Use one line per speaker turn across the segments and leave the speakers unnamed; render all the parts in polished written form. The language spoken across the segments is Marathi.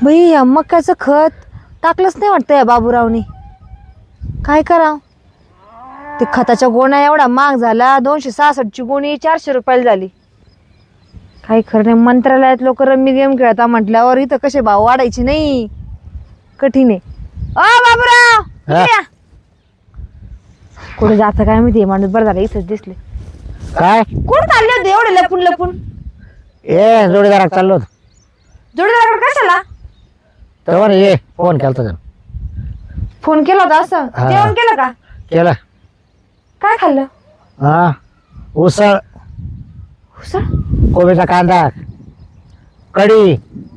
बाई या मक्याचं खत टाकलंच नाही वाटतं या बाबूरावनी. काय करावं? ते खताच्या गोण्या एवढा महाग झाला, 266ची गोणी 400 रुपयाला झाली. काही खरं नाही. मंत्रालयात लोक रम्मी गेम खेळता म्हटल्यावर इथं कसे भाव वाढायचे नाही, कठीण आहे. बाबूराव इकडे या. कुठे जातं काय माहिती माणूस. बरं झालं इथंच दिसले.
काय
कुठं चालले होते एवढे लपून लपून?
ए जोडीदारात चाललो होतो.
जोडीदाराकडे कशाला?
तेव्हा ये फोन केला होता.
फोन केला होता असं?
हा.
जेवण केलं का?
केला.
काय खाल्लं?
हा उसळ,
उसळ?
कोबीचा कांदा, कढी.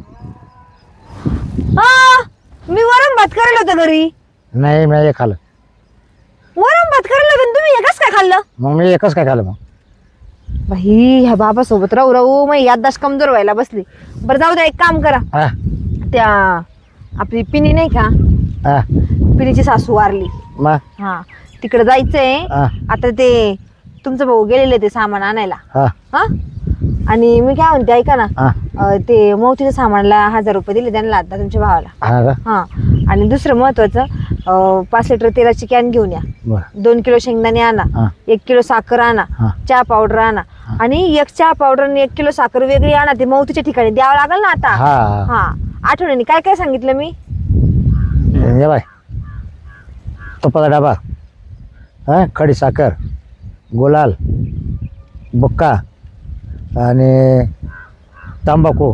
मी वरण भात करायला होतं घरी.
नाही मी हे खाल्लं.
वरण भात करायला होतं तुम्ही हे कसं काय खाल्लं?
मग मी एकच काय खाल्लं मग.
बाई ह्या बाबा सोबत राहू राहू मग याददाश्त कमजोर व्हायला बसली. बरं जाऊ द्या, एक काम करा.
हा
त्या आपली पिनी नाही का,
हा
पिनीची सासू वारली.
मग
हा तिकडे जायचंय.
हा
आता ते तुमचं भाऊ गेलेले ते सामान आणायला.
हा
हा आणि मी काय म्हणते ऐका ना,
हा
ते मोतीच्या सामानला 1000 रुपये दिले त्यांना आता तुमच्या भावाला.
हा का
हा आणि दुसरं महत्वाचं, 5 लिटर तेलाची कॅन घेऊन या.
बरं
2 किलो शेंगदाणे आणा.
हा
1 किलो साखर आणा.
हा
चहा पावडर आणा. आणि 1 चहा पावडर आणि 1 किलो साखर वेगळी आणा. ते मौतीच्या ठिकाणी द्यावं लागेल ना आता.
हा
हा आठवणीने काय काय सांगितलं मी?
ये बाय, तुपाचा डबा, हा खडी साखर, गुलाल, बुक्का आणि तंबाखू.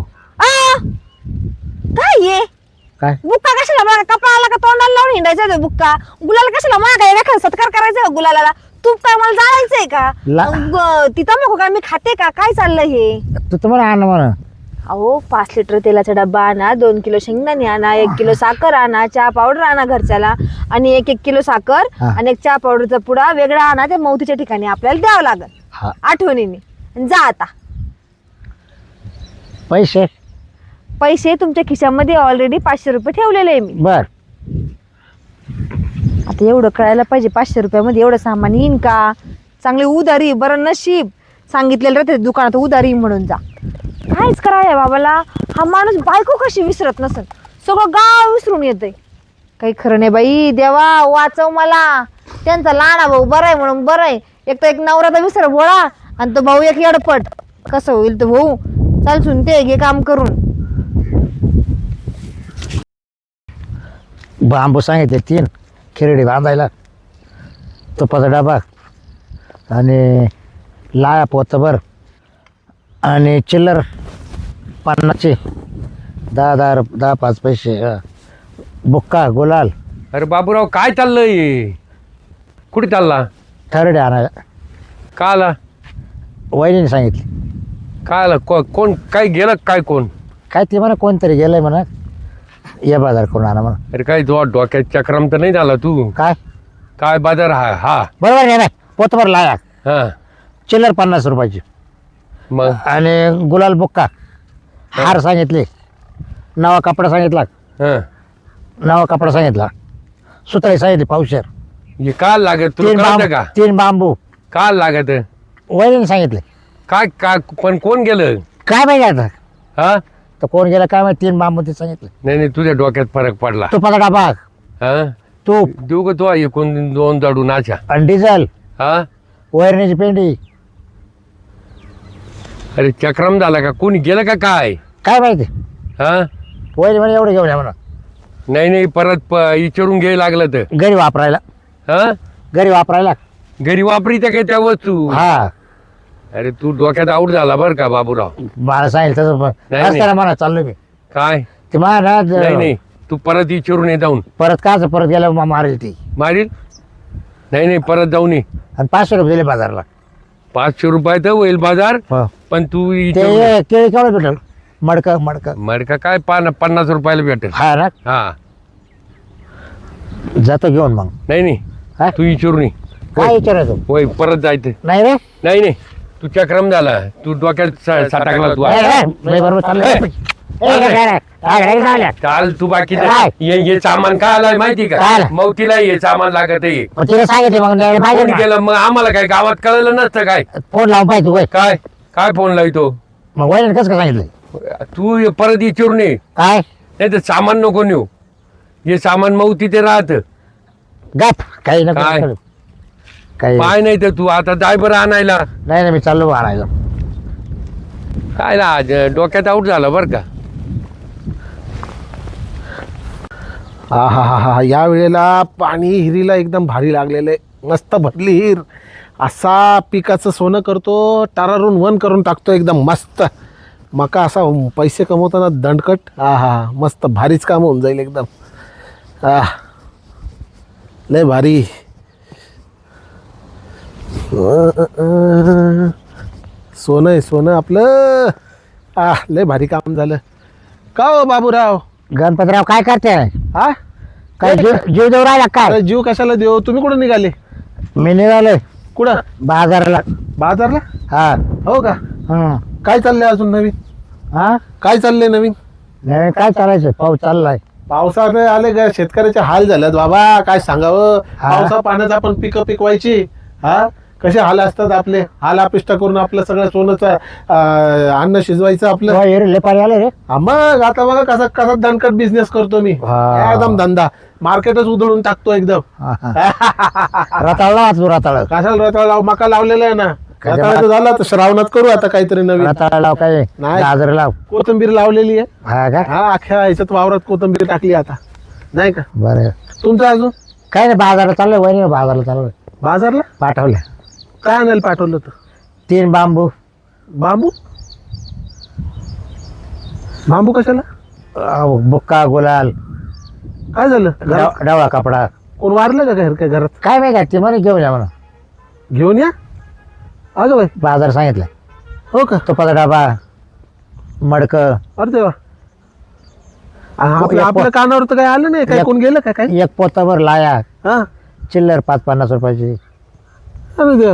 काय ये
काय
बुक्का कशाला? बघा कपाळाला का तोंडाला लावून हिंडायचा तो बुक्का? गुलाल कशाला? मला काय एखादा सत्कार करायचा का गुलाला? तूप काय मला जाळायचंय का? ती तंबाखू काय मी खाते का? काय चाललंय हे?
तू तुम्हाला आण म्हणा.
अहो 5 लिटर तेलाचा डब्बा आणा, 2 किलो शेंगदाणे आणा, 1 किलो साखर आणा, चहा पावडर आणा घरच्याला आणि 1 किलो साखर
हा.
आणि 1 चहा पावडरचा पुडा वेगळा आणा. ते मौतीच्या ठिकाणी आपल्याला द्यावं लागेल
हा
आठवणीने. आणि जा आता.
पैसे
पैसे तुमच्या खिशामध्ये ऑलरेडी 500 रुपये ठेवलेले आहे मी.
बर.
आता एवढं कळायला पाहिजे 500 रुपयामध्ये एवढं सामान येईन का? चांगली उधारी. बरं नशीब सांगितलेलं राहते दुकानात उधारी म्हणून जा. काहीच करा या बाबाला. हा माणूस बायको कशी विसरत नसेल, सगळं गाव विसरून येतंय. काही खरं नाही बाई. देवा वाचव मला. त्यांचा लहाना भाऊ बरा आहे म्हणून बरं आहे. एक तर एक नवरा तर विसर भोळा आणि तो भाऊ एक येडपट. कसं होईल तो भाऊ? चाल सुन ते घे काम करून.
बांबू सांगितले 3 खिरडी बांधायला, तुपाचा डबा आणि लाया पोतभर आणि चिल्लर 50चे 10 5 पैसे, बुक्का, गुलाल.
अरे बाबूराव काय चाललंय? कुठे चालला?
थर्डे आणायला.
का आला?
वहिनीने सांगितले.
काय आला? कोण काय गेलं काय? कोण
काय ते म्हणा कोणतरी गेलंय म्हणा, या बाजार करून आणा म्हणा.
अरे काय तो डोक्यात चक्रम तर नाही झाला तू?
काय
काय बाजार? हा हा
बरोबर आहे ना. पोतभर लाया,
हा
चिल्लर 50 रुपयाची
मग
आणि गुलाल, बुक्का, हार सांगितले, नवा कपडा सांगितला,
हा
नवा कपडा सांगितला, सुतळी सांगितली पावशेर,
हे काय लागत तुला कळतं का?
3 बांबू.
काय लागत?
वहिनीने सांगितले.
काय काय पण कोण गेलं?
काय माहिती आता
हा
तर कोण गेला काय माहिती. 3 बांबू ते सांगितले.
नाही नाही तुझ्या डोक्यात फरक पडला.
तुपाचा डबा,
हा
तूप
देऊ का तो एकूण 2 जाडू नाचा?
आणि डिझेल,
हा
वैरणीची पेंडी.
अरे चक्रम झाला का? कोणी गेलं का काय?
काय माहिती.
हा
वहिनी म्हणे एवढं घेऊन या म्हणा,
नाही नाही परत विचारून घ्यायला लागलं तर.
घरी वापरायला.
हा
घरी वापरायला.
घरी वापरीत्या काय त्या वस्तू?
हा
अरे तू डोक्यात आऊट झाला बर का बाबूराव.
मला सांगितलं तसं
नाही.
रस्त्याला म्हणा चाललो मी.
काय?
ते मला
नाही नाही तू परत विचारून ये जाऊन.
परत काच परत गेल्यावर मारेल ती.
मारील? नाही नाही परत जाऊन ये.
आणि 500 रुपये दिले बाजारला.
500 रुपयात होईल बाजार.
हो.
पण तू
ते केळी केवढं भेटेल? मडकं मडकं.
मडका काय 50 रुपयाला भेटेल.
हा ना.
हा
जातो घेऊन मग.
नाही नाही
हा?
तू विचारून ये.
काय विचारायचं?
होय परत जायचं.
नाही रे.
नाही नाही तू चक्रम झाला. तू डोक्यात सटाकला तू.
नाही बरोबर चाललं.
चाल तू बाकी
काय?
हे सामान काय आलाय माहिती
काय
का?
आलं?
मौतीला हे सामान लागत आहे.
तिने सांगितले मग द्यायला पाहिजे
कोण
ना.
गेलं मग? आम्हाला काय गावात कळलं नसतं काय?
फोन लावून पाहिजे तू.
काय काय फोन लावतो?
मग वहिनी कसं काय सांगितलं?
तू परत विचारून ये.
काय
नाही तर सामान नको नेऊ. हे सामान मग तिथे राहत.
गप काही नको
काय?
करू. काही
पाय नाही तर तू आता जाय बरं आणायला.
नाही नाही मी चाललो आणायला.
काय ना आज डोक्यात आऊट झालं बरं का.
हा हा हा हा या वेळेला पाणी हिरीला एकदम भारी लागलेलं आहे. मस्त भरली हिर. असा पिकाचं सोनं करतो, टारारून वन करून टाकतो एकदम मस्त. मका असा पैसे कमवताना दंडकट. हा हा मस्त भारीच काम होऊन जाईल एकदम. हा लय भारी. सोनं आहे सोनं आपलं. लय भारी काम झालं. का हो बाबूराव?
गणपतराव काय करते?
हा
काय जीव जीव देऊ राहिला काय?
अरे जीव कशाला देऊ? तुम्ही कुठं निघाले?
मी निघालोय
कुठं?
बाजाराला.
बाजारला?
हा
हो का?
हं.
काय चाललंय अजून नवीन?
हा
काय चाललंय नवीन?
नाही काय चालायचं, पाऊस चाललाय.
पावसाने आले का शेतकऱ्याचे हाल झालेत बाबा. काय सांगावं.
हा.
पावसा पाण्यात आपण पिकं पिकवायची. हा कसे हाल असतात आपले. हाल अपिष्ट करून आपलं सगळं सोनंचं अन्न शिजवायचं आपलं.
लय पाणी आले रे.
हा, मग आता बघा कसा कसा दणकट बिझनेस करतो मी.
हा.
एकदम धंदा मार्केटच उधळून टाकतो एकदम.
रताळला वाचू रताळ.
कशाला रताळ लाव? मका लावलेला आहे ना.
कशा
रताळाचं झालं आता श्रावणात करू आता काहीतरी नवीन.
रताळा लाव काय
नाही.
गाजर लाव.
कोथिंबीर लावलेली आहे.
हा का?
हा अख्ख्या ह्याच्यात वावरात कोथिंबीर टाकली आता. नाही का
बरं
तुमचं अजून?
काय नाही बाजाराला चाललोय. वहिनी बाजाराला चाललोय.
बाजारला
पाठवलं
काय आणायला पाठवलं होतं?
3 बांबू.
बांबू? बांबू कशाला?
बुक्का गुलाल
काय झालं घरात?
डवळा कपडा.
कोण वारलं का काय करत?
काय माहिती ते म्हणे घेऊन या म्हणा.
घेऊन या. अगं बाई
बाजार सांगितलं.
हो का?
तुपाचा डबा मडक
अरे देवा. आपल्या कानावर तर काय आलं नाही. काय कोण गेलं का काय?
एक पोतावर लाया
हा
चिल्लर 5-50 रुपयाची.
अरे देवा.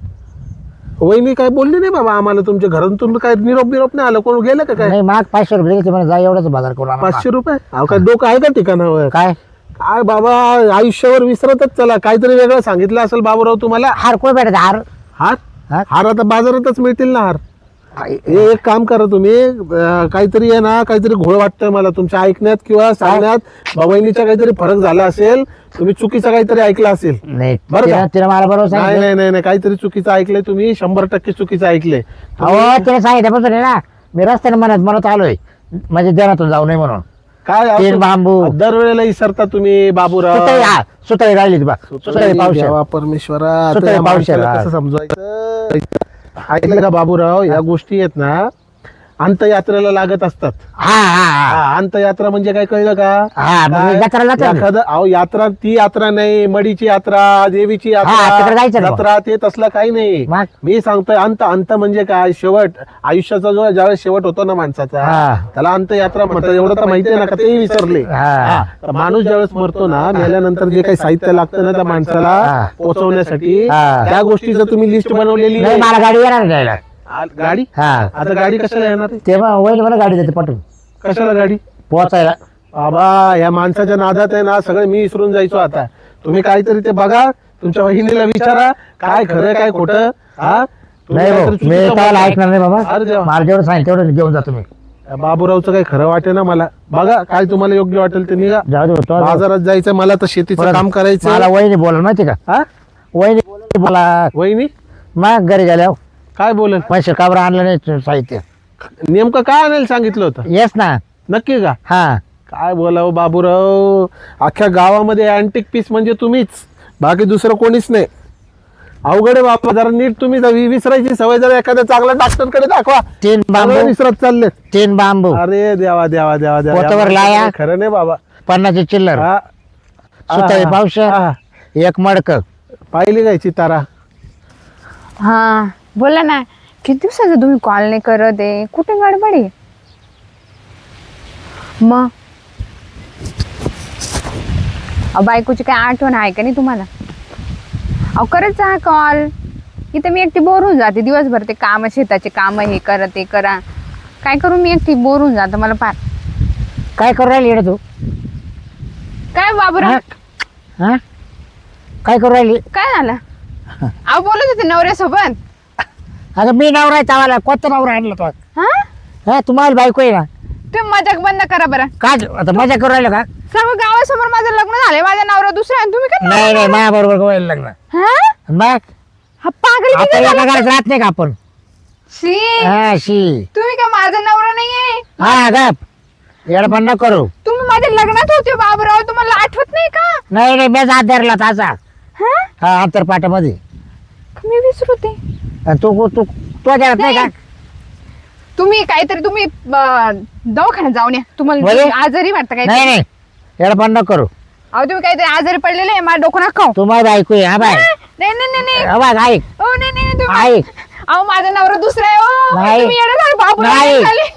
वहिनी काय बोलली नाही बाबा आम्हाला? तुमच्या घरातून काय निरोप बिरोप नाही आलं? कोण गेलं का काय?
नाही माग 500 रुपये घेतले म्हणे. जा एवढंच बाजार करून आणा.
500 रुपये? अहो काय डोकं आहे का ठिकाणावर?
काय
काय बाबा आयुष्यावर विसरतच चला. काहीतरी वेगळं सांगितलं असेल बाबूराव तुम्हाला.
हार कोण भेटत हार?
हार?
हार?
हार आता बाजारातच मिळतील ना हार. हे एक काम करा तुम्ही. काहीतरी आहे ना काहीतरी घोळ वाटतंय मला तुमच्या ऐकण्यात किंवा सांगण्यात. बहिणीचा काहीतरी फरक झाला असेल. तुम्ही चुकीचं काहीतरी ऐकलं असेल.
नाही
बरं का?
तिला मला बरोबर
नाही
सांगितलं.
नाही नाही नाही काहीतरी चुकीचं ऐकलंय तुम्ही. 100% चुकीचं ऐकलंय.
अहो तिला सांगितल्यापासून आहे ना मी रस्त्याने म्हणत आलोय म्हणजे देण्यातून जाऊ नये म्हणून.
काय
3 बांबू.
दरवेळेला विसरता तुम्ही बाबूराव.
सुतळी राहिली बा. सुतळी पावशे.
देवा परमेश्वरा. आता
सुतळी
या
पावशेर,
माणसाला
हा.
कसं समजवायचं? ऐकलं का बाबूराव? या गोष्टी आहेत ना अंतयात्रेला लागत असतात.
हा हा हा
अंतयात्रा म्हणजे काय कळलं का?
हा मग
काय?
जत्राला जातो ना.
एखादं अहो यात्रा ती यात्रा नाही. मडीची यात्रा, देवीची
हा, तिकडे
यात्रा,
जायचं ना मग.
जत्रा ते तसलं काही नाही.
मग?
मी सांगतोय अंत. अंत म्हणजे काय? शेवट. आयुष्याचा जो ज्यावेळेस शेवट होतो ना माणसाचा
हा.
त्याला अंतयात्रा म्हणतात. एवढं तर माहिती आहे ना का? तेही विसरले.
हा.
हा. तर माणूस ज्यावेळेस मरतो ना मेल्यानंतर जे काही साहित्य लागतं ना त्या माणसाला
हा.
पोहोचवण्यासाठी
हा.
त्या गोष्टीचं तुम्ही लिस्ट बनवलेली
नाही
आहे.
मला गाडी येणार नाही द्यायला.
गाडी?
हा
आता गाडी कशाला येणार आहे?
तेव्हा वैल मला गाडी देते पटून
कशाला गाडी?
पोहोचायला.
बाबा या माणसाच्या नादात आहे ना सगळं मी विसरून जायचो आता. तुम्ही काहीतरी ते बघा. तुमच्या वहिनीला विचारा काय खरं काय खोटं. हा तुम्ही
नाही भाऊ
काहीतरी
मी
चुकीचं
त्याला
बोलताय.
ऐकणार नाही बाबा.
अरे देवा.
मला जेवढं सांगितलं तेवढं घेऊन जा तुम्ही.
बाबूरावचं काही खरं वाटे ना मला. बघा काय तुम्हाला योग्य वाटेल ते निघा.
जाऊ दे तो
बाजारात जायचं मला तर शेतीचं काम करायचं.
मला वहिनी बोलाल माहिती का?
हा
वहिनी बोला
वहिनी
मग घरी गेल्यावर
काय बोलेल?
पैसे का बरं आणलं नाही साहित्य?
नेमकं काय आणायला सांगितलं होतं?
येस ना.
नक्की का?
हा
काय बोलावं बाबूराव. अख्ख्या गावामध्ये अँटिक पीस म्हणजे तुम्हीच. बाकी दुसरं कोणीच नाही. अवघड आहे बाबा. जरा नीट तुम्ही विसरायची सवय जरा एखाद्या चांगल्या डॉक्टरकडे दाखवा.
3 बांबू.
सगळं विसरत चालले.
3 बांबू.
अरे देवा देवा देवा देवा.
पोतावर लाया.
खरं नाही बाबा.
50 चिल्लर.
हा.
सुतळी
हा.
पावशे.
हा.
1 मडक.
पाहिली काय चितारा?
हा बोला ना. किती दिवसाचं तुम्ही कॉल नाही करत आहे? कुठे गडबड आहे मग? बायकोची काय आठवण आहे का नाही तुम्हाला? अहो करत जा कॉल. इथं मी एकटी बोर होऊन जाते दिवसभर. ते काम शेताचे काम हे करा ते करा. काय करू मी एकटी बोर होऊन जातं मला फार.
काय करू राहिली येडे तू?
काय बाबूराव?
हा काय करू राहिली?
काय झालं? अहो बोलत होते नवऱ्यासोबत.
अगं मी नवरा आहे चावाला. कोणता नवरा आणला तो?
हा
हा तुम्हाला बायको आहे ना.
तुम्ही मजाक बंद करा बरं.
काय आता मजा करू राहिलो का?
सर्व गावासमोर माझं लग्न झालंय, माझा नवरा दुसरा आहे, तुम्ही काय
नाही नाही माझ्या बरोबर व्हायला लग्न.
हा?
मग
हा पागल
आपण
किती
एका
झाला?
घरात राहत नाही का आपण?
शी,
हा शी.
तुम्ही काय माझा नवरा नाहीये?
हा गप येडपण न करू.
तुम्ही माझ्या लग्नात होते बाबूराव, तुम्हाला आठवत नाही का?
नाही नाही मी हात धरला ताचा.
हा?
हा अंतरपाटामध्ये.
मी विसरते.
आणि तू तू तू घरात नाही का?
तुम्ही काहीतरी तुम्ही दवाखान्यात जाऊन या, तुम्हाला
बरं.
आजारी वाटतं काय?
नाही नाही येडपण न करू.
अहो तुम्ही काहीतरी आजारी पडलेले आहे, माझ्या डोकं नका खाऊ.
तू माझं ऐकू ये. हा बाय
नाही नाही नाही नाही.
हा बाय ऐक
हो नाही नाही नाही, तुम्ही
ऐक.
अहो माझा नवरा दुसरा आहे. ओ
नाही.
तुम्ही येडे झाले बाबूराव,
नाही.
येडे झाले.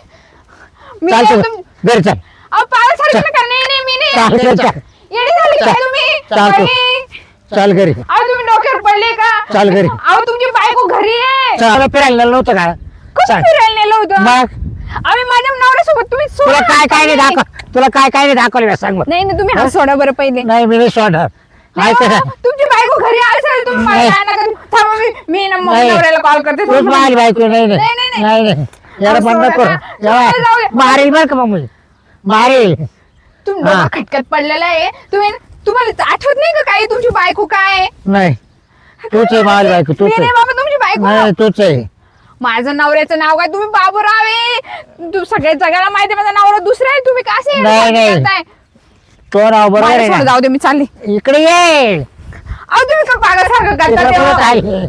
मी
चाल
नाही
तू
तुम-
घरी चल.
अहो पागल सारखं नका. नाही नाही मी
चाल
नाही.
घरी चल.
येडे झाले काय तुम्ही?
चाल तू.
बाई.
चल घरी
अहो तुम्ही डोक्यावर पडले का?
चाल घरी.
अहो तुमची बायको घरी आहे.
चल फिरायला नव्हतं का?
कसं
चल.
फिरायला नेलं होतं?
मग
आम्ही माझ्या नवऱ्यासोबत तुम्ही
तुला
सोडा.
काय काय नाही दाखव. तुला काय काय नाही दाखवलं सांग मग.
नाही नाही तुम्ही हा सोडा बरं पहिले.
नाही मी नाही सोडणार.
नाही
ऐक
हो,
ना.
तुमची बायको घरी असेल तुम्ही मला
नाही.
काय नका. थांबा मी ना मग
नाही.
नवऱ्याला कॉल करते.
तूच माझी बायको. नाही
नाही,
नाही
नाही,
नाही नाही याला
असं
बंद
नका.
करू.
जाऊ दे.
मारेल बरं का मग मी मारेल.
तुम्ही
हा.
डोकं खटकत पडलेला आहे. तुम्हाला आठवत नाही का काही तुमची बायको काय आहे?
नाही तूच आहे माझी बायको.
मी
तूच
नाही
आहे.
बाबा तुमची बायको.
नाही तूच आहे.
माझं नवऱ्याचं नाव काय? तुम्ही बाबूराव आहे. तू सगळ्या जगाला माहिती आहे माझा नवरा दुसरा आहे. तुम्ही का असे
नाही, नाही.
करताय?
तो नाव बरोबर
मला
आहे
सोडून
ना?
जाऊ दे, मी चालली.
इकडे ये.
अहो तुम्ही का पागल सारखं
इकडे
करता
परत
तेव्हा?
आली.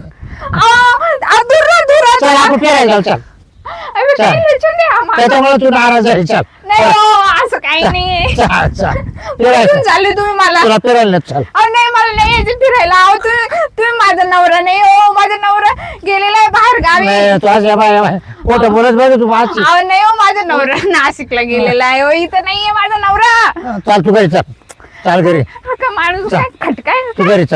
अहो, दूर राहा, दूर राहा.
चल आपण फिरायला जाऊ. चल
अरे,
चल.
काही टेन्शन नाही आम्हाला.
त्याच्यामुळे तू नाराज आहे. चल
नाही हो, असं काही नाही.
चल चल
कुठून
फिरायचं.
चालले तुम्ही मला?
तुला फिरायला नाही. चल
अहो नाही, मला नाही यायचं फिरायला. अहो तुम्ही माझा नवरा नाही हो. माझा नवरा गेलेला आहे बाहेर गावी.
नाही तू आज या बाय कोणतं बोलत बघ तू माझी.
अहो नाही हो, माझा नवरा नाशिकला गेलेला आहे हो. इथं नाहीये माझा नवरा.
चल तू घरी चल. चल घरी
हा का माणूस काय खटकाय?
तू घरी चल.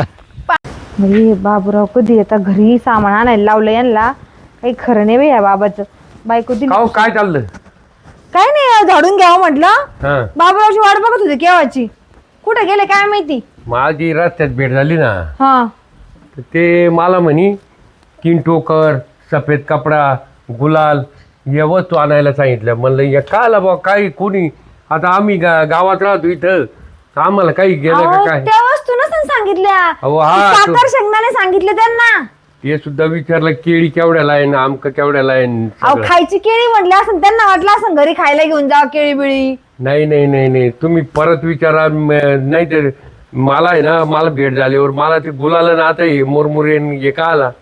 बाई बाबूराव कधी येतात घरी सामान आणायला लावलं यांना. काही खरं नाही बाई या बाबाचं. बायको दिली
काहो काय चाललं?
काय नाही झाडून घ्यावं म्हटलं.
हा
बाबूरावची वाट बघत होती केव्हाची. कुठे गेले काय माहिती.
माझी रस्त्यात भेट झाली ना,
हा
तर ते मला म्हणी तीन टोकर, सफेद कपडा, गुलाल या वस्तू आणायला सांगितलं. म्हणलं या काला बा काही कोणी आता आम्ही गावात राहतो इथं, आम्हाला काही गेलं का
अहो,
काय?
त्या वस्तू नसून सांगितल्या.
अहो, हा,
ती साखर शेंगदाणे सांगितले त्यांना.
ते सुद्धा विचारलं केळी केवढ्याला आहे ना आमक केवढ्याला आहे न
अहो
सगळं.
खायची केळी म्हटलं असं त्यांना वाटलं असं घरी खायला घेऊन जावं केळी बिळी.
नाही नाही नाही नाही तुम्ही परत विचारा. नाही तर मला आहे ना, मला भेट झाल्यावर मला ते गुलाल ना आता हे मुरमुरे न हे का आला.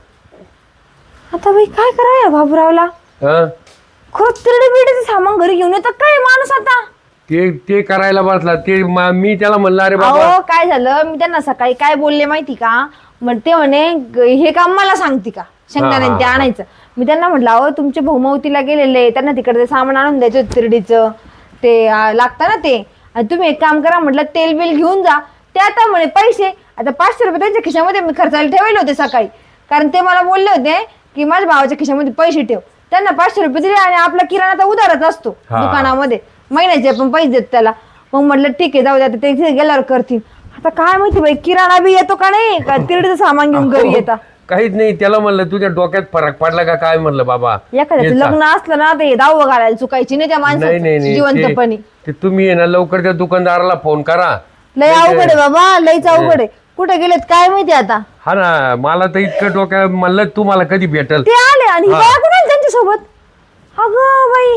आता बाई काय करावं या बाबूरावला.
हा
खरंच तिरडे बिरडेचं सामान घरी घेऊन येतात काय माणूस आता.
ते करायला बसला. ते मी त्याला म्हणलं अरे बाबा
अहो काय झालं मी त्यांना सकाळी काय बोलले माहिती का. मग ते म्हणे हे काम मला सांगते का शेंगदाणे ते आणायचं. मी त्यांना म्हटलं अहो तुमचे भाऊमवतीला गेलेले त्यांना तिकडे ते सामान आणून द्यायचं होतं तिरडीचं ते लागतं ना ते. आणि तुम्ही एक काम करा म्हटलं तेल बिल घेऊन जा. ते आता म्हणे पैसे आता 500 रुपये त्यांच्या खिशामध्ये मी खर्चायला ठेवले होते सकाळी. कारण ते मला बोलले होते की माझ्या भावाच्या खिशामध्ये पैसे ठेव. त्यांना 500 रुपये दिले आणि आपला किराणा तर उधारच असतो दुकानामध्ये महिन्याचे आपण पैसे देत त्याला. मग म्हटलं ठीक आहे जाऊ दे आता ते गेल्यावर करतील. आता काय माहिती बाई किराणा बी येतो का नाही का तिरडीचं सामान घेऊन घरी येतात.
काहीच नाही. त्याला म्हणलं तुझ्या डोक्यात फरक पडला का काय म्हणलं बाबा.
एखाद्याचं लग्न असलं ना ते दाव घालायला चुकायची नाही त्या
नाही
माणसाची
नाही
जिवंतपणी.
ते तुम्ही आहे ना लवकर त्या दुकानदाराला फोन करा.
लय अवघड आहे बाबा लयच अवघड आहे. कुठे गेलेत काय माहिती आता.
हा ना मला तर इतकं डोक्यात म्हणलं तुम्हाला कधी भेटल.
ते आले आणि ही बाया कोण आली त्यांच्यासोबत. अगं बाई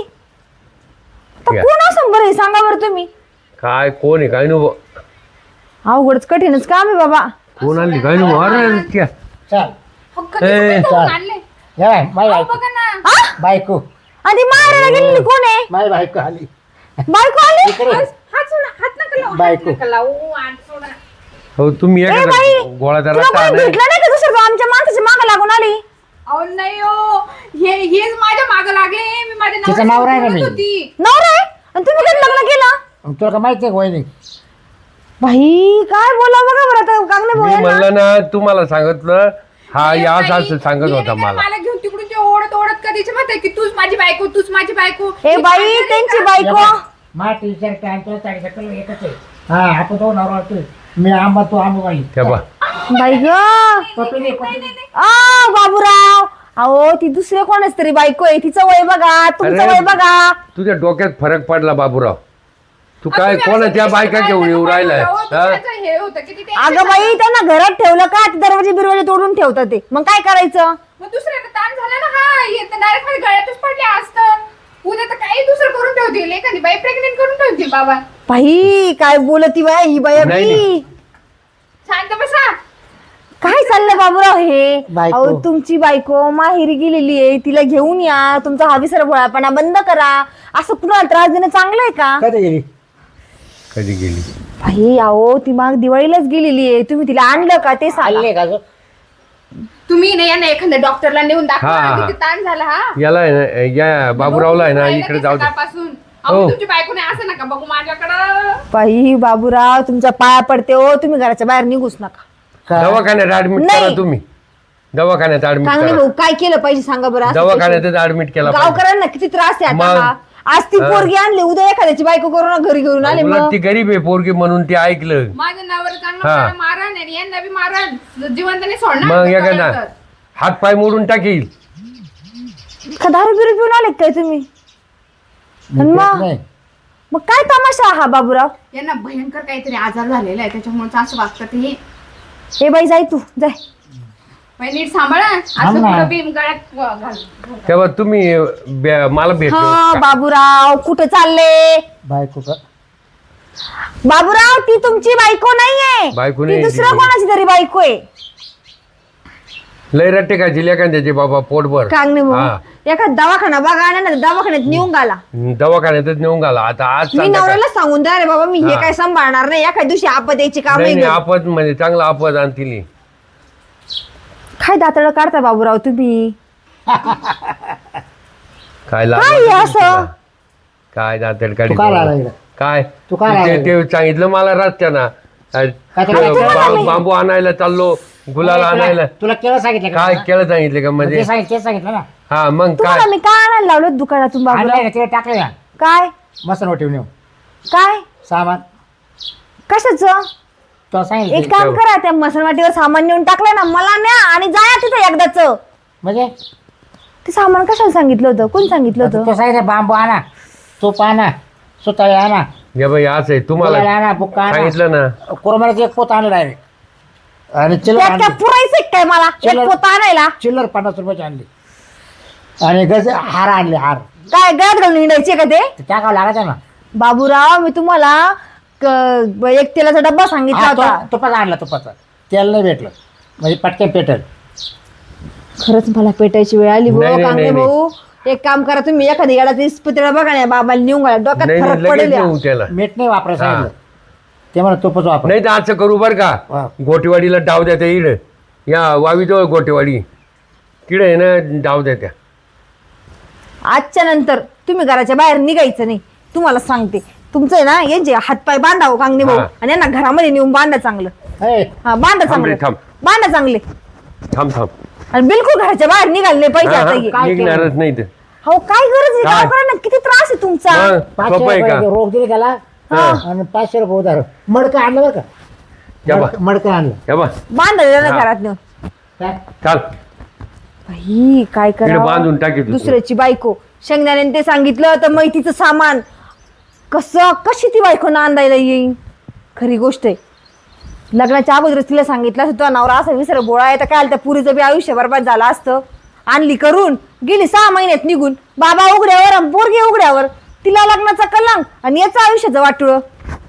आता कोण असं बरं हे सांगा बरं तुम्ही.
काय कोण आहे काय नको.
अवघडच कठीणच काम आहे बाबा.
कोण आली काय नको. अरे क्या
चल
ए,
या बाय माझी बायको. बायको
आणि मारायला गेलेली कोण आहे.
माझी बायको आली.
बायको आली.
बायको
हो तुम्ही
ए
एखादा
बाई
गोळाचा
तुला
रस्ता
कोणी
नाही.
भेटलं नाही का दुसरं आमच्या माणसाच्या मागे लागून आली.
अहो नाही हो, हेच माझ्या मागं लागले. मी माझ्या
तिचं नाव राहिलं मी.
होती.
नवरा आहे आणि तुम्ही कधी लग्न केलं.
तुला का माहिती आहे का वहिनी.
भाई काय बोला बघा बरं आता कांगणे
मी
भाऊ
म्हणलं ना तुम्हाला सांगितलं. हा या असं सांगत होता मला.
मला घेऊन तिकडून ते ओढत ओढत कधीच म्हणते की तूच माझी बायको, तूच माझी बायको.
हे बाई त्यांची बायको.
मा टीचर काय तुला चाळीस एकच आहे. हा आपण तो नवरा होतोय. मी आंबा तू आंबा बाई.
त्या बा
बाई ग
पप्पी दे, पप्पी दे.
बाबूराव अहो ती दुसऱ्या कोणाच तरी बायको आहे, तिचं वय बघा, तुमचं
अरे,
वय बघा.
तुझ्या डोक्यात फरक पडला बाबूराव. तू काय कोणाच्या बायका घेऊन येऊ राहिलाय हा?
हे होतं की तिथे
अगं बाई त्यांना घरात ठेवलं का ते दरवाजे बिरवाजे तोडून ठेवतात ते, मग काय करायचं?
मग दुसऱ्याला ताण झाला ना, हा येत डायरेक्ट माझ्या गळ्यातच पडले असतं. उद्या तर काही दुसरं करून ठेवतील, एखादी बाई प्रेग्नेंट करून ठेवतील. बाबा
बाई काय बोलती बाया ही बाया
नाही,
बी.
नाही.
शांत बसा.
काय चाललंय बाबूराव हे?
बायको.
अहो तुमची बायको माहेरी गेलेली आहे, तिला घेऊन या, तुमचा हा विसरभोळापणा बंद करा. असं कुणाला त्रास देणं चांगलं आहे का?
कधी गेली?
कधी गेली?
बाई अहो ती माग दिवाळीलाच गेलेली आहे, तुम्ही तिला आणलं का ते सांगा.
आले का गं?
तुम्ही नाही यांना एखाद्या डॉक्टरला नेऊन दाखवा,
हा.
किती ताण झाला. हा
याला आहे ना, या बाबूरावला आहे ना इकडे जाऊ दे.
सकाळपासून
हो.
तुमची बायको नाही असं नका बघू माझ्याकडं.
बाई बाबूराव तुमच्या पाया पडते हो, तुम्ही घराच्या बाहेर निघूच नका.
काय?
दवाखान्यात ऍडमिट
नाही.
करा तुम्ही. दवाखान्यात ऍडमिट
चांगले
करा.
भाऊ काय केलं पाहिजे सांगा बरं. असं
दवाखान्यातच ऍडमिट केला
पैसे-
पाहिजे.
गावकऱ्यांना किती त्रास आहे आता
मग?
हा. आज ती पोरगी आणली, उद्या एखाद्याची बायको करून घरी घेऊन आले.
उलट
मग
ती गरीब आहे पोरगी म्हणून ती ऐकलं.
माझ्या नवरा
हा.
चांगला मारण आणि यांना बी मारण, जिवंतने सोडणार
मग
नाही
एखादा
तर.
हात पाय मोडून टाकील.
का दारू बिरू पिऊन आले काय तुम्ही? आणि मग
नाही.
मग काय तमाशा हा बाबूराव?
यांना भयंकर काहीतरी आजार झालेला आहे, त्याच्यामुळे असं वागतात हे.
हे बाई जाय तू जाय.
बाई, नीट सांभाळा. असं
ना.
पुढं बीम गळ्यात घाल.
तेव्हा तुम्ही मला भेटलो
हा
का?
बाबूराव कुठे चालले?
बायको का?
बाबूराव ती तुमची बायको नाहीये,
बायको
ती
नाही,
दुसऱ्या
ती-
कोणाची तरी बायको आहे.
लय रट्टे का जिल्ह्या कांद्याचे बाबा पोटभर.
कांगणे
हा.
भाऊ एखाद दवाखाना बघा ना, दवाखान्यात नेऊन घाला.
दवाखान्यातच नेऊन घाला आता. आज
मी
संध्याकाळ-
नवऱ्याला सांगून द्या रे बाबा, मी हे
हा.
काय सांभाळणार नाही, एखाद्या दिवशी आपत यायची काम
नाही
नाही.
नाही, आपद म्हणजे चांगला आपद आणतील.
काय दातड काढता बाबूराव तुम्ही?
काय
काय हे असं?
तुला? काय दातड काढी
तू काय लागला इकडं?
काय
तू काय
ते-
लागला?
ते सांगितलं मला रस्त्यानं.
काय ते-
बांबू आणायला चाललो, गुलाल आणायला.
तुला केलं सांगितलं का?
काय केलं सांगितलं का म्हणजे?
ते सांगितलं ना.
हा मग काय
तुम्हाला मी काय आणायला लावलं दुकानातून
आणलंय
बाबूराव?
ना, तिला टाकलं ना
काय
मस्त ठेवून येऊ
काय
सामान.
कशाचं?
तुला सांगितलं
एक काम करा, त्या मसनवाटीवर सामान नेऊन टाकलं ना, मला न्या आणि जाया तिथे एकदाच.
म्हणजे
ते सामान कशाला सांगितलं होतं? कोण सांगितलं होतं?
तो सांगितलं बांबू आणा, तूप आणा, सुताळे आणा,
या बाई असं आहे
गुलाल
तुम्हाला
आणा, बुक्का आणा.
सांगितलं ना.
कोरमाराचं एक पोत आणलं डायरेक्ट. आणि चिल्लर
त्यात काय
आणली.
पुरायचं काय मला एक
चिल्लर-
पोतं आणायला?
चिल्लर 50 रुपयाची आणली. आणि गज हार आणले, हार
काय गळ्यात घालून हिंडायचे का ते?
ते टाकावं लागायचं ना.
बाबूराव मी तुम्हाला एक तेलाचा डब्बा सांगितला
हा,
होता.
तुपाचा आणला, तुपाचा. तेल नाही भेटलं म्हणजे पटकन पेटल.
खरंच मला पेटायची वेळ आली
नाही,
भाऊ.
नाही,
कांगणे
नाही,
भाऊ एक काम करा, तुम्ही एखादी येडाचा इस्पितळा बघा ना, बाबाला नेऊन घाला, डोक्यात
नाही
फरक
लगेच
पडेल या.
नेऊ त्याला.
मीठ नाही वापरायचं
हा.
सांगितलं. ते म्हणा तुपच वापर.
नाही तर असं करू बरं
हा.
का, गोटेवाडीला डाव द्या त्या इड या वावीजवळ गोटेवाडी तिकडे आहे ना, डाव द्या त्या.
आजच्या नंतर तुम्ही घराच्या बाहेर निघायचं नाही, तुम्हाला सांगते. तुमचं आहे ना यांचे हातपाय बांधावं कांगणे भाऊ,
हा.
आणि यांना घरामध्ये नेऊन बांधा चांगलं.
हे,
हा बांधा
थांब रे,
चांगलं,
थांब.
बांधा चांगले.
थांब थांब.
आणि बिलकुल घराच्या बाहेर निघाले नाही पाहिजे
हा,
आता
हा,
हे.
काय
निघणारच नाही तर.
हो काय गरज आहे?
काय?
गावकऱ्यांना किती त्रास आहे तुमचा.
मग
500
सोपं आहे का?
रुपये रोख दिले त्याला आणि 500 रुपये उधार. मडकं आणलं बरं
या बा.
का? मडकं आणलं.
या बा
बांधा दिलं
हा.
घरात नेऊन.
काय?
चाल.
बाई काय
तिकडे बांधून
करा,
टाकीत होतो.
दुसऱ्याची बायको शेंगदाण्याने ते सांगितलं तर मैतीचं सामान कशी ती बायको नांदायला येईन. खरी गोष्ट आहे, लग्नाच्या अगोदरच तिला सांगितलं होतं नवरा असा विसर बोळा आहे, तर काय त्या पुरीचं बी आयुष्य बरबाद झालं असतं. आणली करून गेली 6 महिन्यात निघून, बाबा उघड्यावर आणि पोरगी उघड्यावर, तिला लग्नाचा कलंक आणि याचं आयुष्याचं वाटुळं.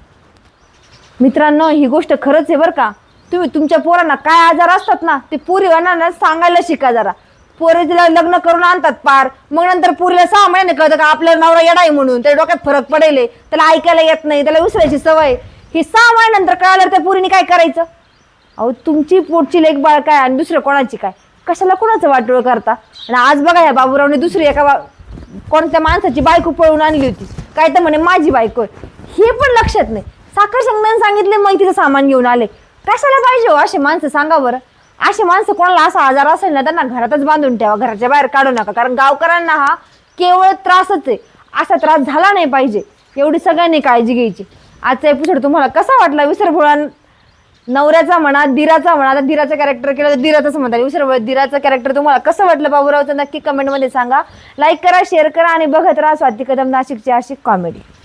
मित्रांनो ही गोष्ट खरंच आहे बरं का. तुम्ही तुमच्या पोरांना काय आजार असतात ना, ते पोरीवांना सांगायला शिका जरा. पोरे तिला लग्न करून आणतात पार, मग नंतर पोरीला 6 महिने कळतं का आपला नवरा येडा आहे म्हणून, त्या डोक्यात फरक पडेल, त्याला ऐकायला येत नाही, त्याला विसरायची सवय. ही 6 महिन्यानंतर कळालं त्या पोरीने काय करायचं? अहो तुमची पोटची लेक बाळ काय आणि दुसरं कोणाची काय, कशाला कोणाचं वाटोळ करता. आणि आज बघा या बाबूरावने दुसरी कोणत्या माणसाची बायको पळून आणली होती, काय तर म्हणे माझी बायको आहे. हे पण लक्षात नाही. साखर शेंगदाणे सांगितले मग तिचं सामान घेऊन आले. कशाला पाहिजे हो असे माणसं सांगा बरं. असे माणसं कोणाला असा आजार असेल ना त्यांना घरातच बांधून ठेवा, घराच्या बाहेर काढू नका. कारण गावकऱ्यांना हा केवळ त्रासच आहे, असा त्रास झाला नाही पाहिजे, एवढी सगळ्यांनी काळजी घ्यायची. आजचा एपिसोड तुम्हाला कसा वाटला विसरभोळा नवऱ्याचा म्हणा, दिराचा म्हणा. आता दिराचं कॅरेक्टर केलं तर दिराचंच म्हणतात. दुसरं दिराचं कॅरेक्टर तुम्हाला कसं वाटलं बाबूरावचं नक्की कमेंटमध्ये सांगा. लाईक करा, शेअर करा आणि बघत राहा स्वाती कदम नाशिकची अशी कॉमेडी.